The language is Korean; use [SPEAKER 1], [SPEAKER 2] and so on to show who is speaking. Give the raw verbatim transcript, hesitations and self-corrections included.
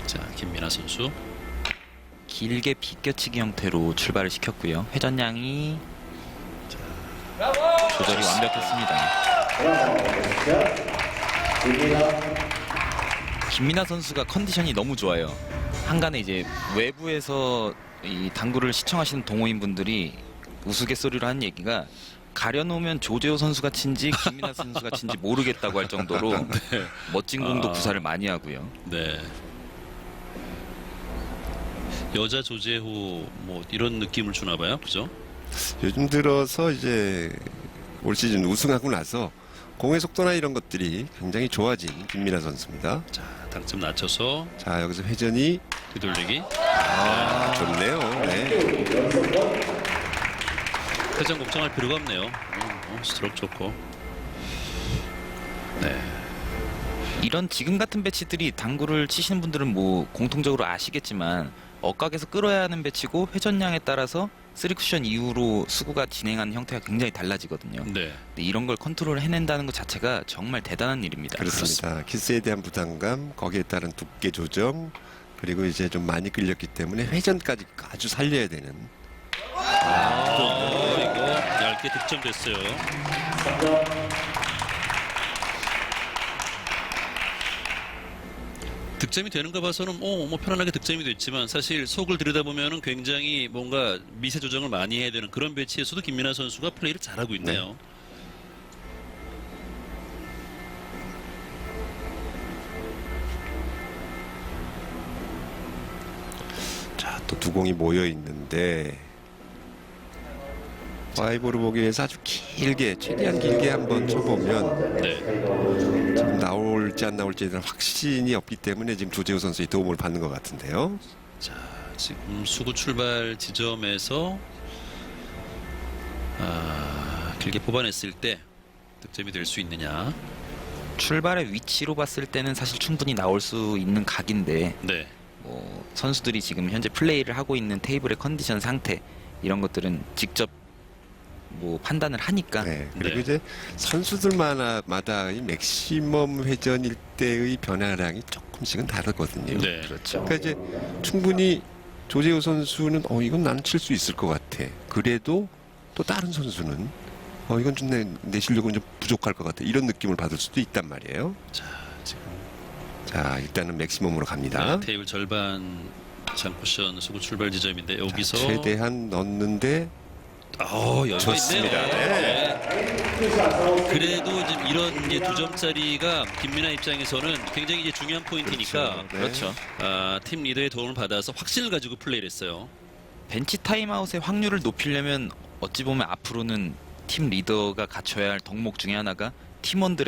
[SPEAKER 1] 자, 김민아 선수.
[SPEAKER 2] 길게 비껴치기 형태로 출발을 시켰고요. 회전량이 조절이 완벽했습니다. 김민아 선수가 컨디션이 너무 좋아요. 한간에 이제 외부에서 이 당구를 시청하시는 동호인분들이 우스갯소리로 하는 얘기가 가려놓으면 조재호 선수가 친지 김민아 선수가 친지 모르겠다고 할 정도로
[SPEAKER 1] 네.
[SPEAKER 2] 멋진 공도
[SPEAKER 1] 아.
[SPEAKER 2] 구사를 많이 하고요.
[SPEAKER 1] 네. 여자 조재호 뭐 이런 느낌을 주나 봐요. 그죠?
[SPEAKER 3] 요즘 들어서 이제 올 시즌 우승하고 나서 공의 속도나 이런 것들이 굉장히 좋아진 김민아 선수입니다.
[SPEAKER 1] 자, 당점 낮춰서
[SPEAKER 3] 자, 여기서 회전이
[SPEAKER 1] 뒤돌리기.
[SPEAKER 3] 아, 좋네요. 네.
[SPEAKER 1] 회전 걱정할 필요가 없네요. 어, 어, 스트로크 좋고. 네.
[SPEAKER 2] 이런 지금 같은 배치들이 당구를 치시는 분들은 뭐 공통적으로 아시겠지만 억각에서 끌어야 하는 배치고 회전량에 따라서 쓰리 쿠션 이후로 수구가 진행하는 형태가 굉장히 달라지거든요.
[SPEAKER 1] 네.
[SPEAKER 2] 근데 이런 걸 컨트롤 해낸다는 것 자체가 정말 대단한 일입니다.
[SPEAKER 3] 그렇습니다. 키스에 대한 부담감, 거기에 따른 두께 조정, 그리고 이제 좀 많이 끌렸기 때문에 회전까지 아주 살려야 되는.
[SPEAKER 1] 아, 어, 이거 얇게 득점됐어요. 득점이 되는가 봐서는 어, 뭐 편안하게 득점이 됐지만 사실 속을 들여다보면은 굉장히 뭔가 미세 조정을 많이 해야 되는 그런 배치에서도 김민아 선수가 플레이를 잘하고 있네요.
[SPEAKER 3] 네. 자, 또 두 공이 모여 있는데 파이브로 보기 위해서 아주 길게, 최대한 길게 한번 쳐보면
[SPEAKER 1] 네.
[SPEAKER 3] 지금 나올지 안 나올지에 대한 확신이 없기 때문에 지금 조재호 선수의 도움을 받는 것 같은데요.
[SPEAKER 1] 자, 지금 수구 출발 지점에서 아, 길게 뽑아냈을 때 득점이 될 수 있느냐.
[SPEAKER 2] 출발의 위치로 봤을 때는 사실 충분히 나올 수 있는 각인데
[SPEAKER 1] 네.
[SPEAKER 2] 뭐 선수들이 지금 현재 플레이를 하고 있는 테이블의 컨디션 상태 이런 것들은 직접 뭐 판단을 하니까
[SPEAKER 3] 네. 그리고
[SPEAKER 1] 네.
[SPEAKER 3] 이제 선수들마다 이 맥시멈 회전일 때의 변화량이 조금씩은 다르거든요.
[SPEAKER 1] 네.
[SPEAKER 2] 그렇죠.
[SPEAKER 3] 그러니까 이제 충분히 조재호 선수는 어 이건 나는 칠 수 있을 것 같아. 그래도 또 다른 선수는 어 이건 좀 내 내 실력은 좀 부족할 것 같아. 이런 느낌을 받을 수도 있단 말이에요.
[SPEAKER 1] 자, 지금
[SPEAKER 3] 자, 일단은 맥시멈으로 갑니다.
[SPEAKER 1] 네, 테이블 절반 장쿠션 수구 출발 지점인데
[SPEAKER 3] 자,
[SPEAKER 1] 여기서
[SPEAKER 3] 최대한 넣는데
[SPEAKER 1] 어, 여유가
[SPEAKER 3] 좋습니다.
[SPEAKER 1] 있네요.
[SPEAKER 3] 네.
[SPEAKER 1] 그래도 지금 이런 이제 두 점짜리가 김민아 입장에서는 굉장히 이제 중요한 포인트니까
[SPEAKER 3] 그렇죠. 네.
[SPEAKER 2] 그렇죠.
[SPEAKER 1] 아, 팀 리더의 도움을 받아서 확신을 가지고 플레이를 했어요.
[SPEAKER 2] 벤치 타임아웃의 확률을 높이려면 어찌 보면 앞으로는 팀 리더가 갖춰야 할 덕목 중에 하나가 팀원들의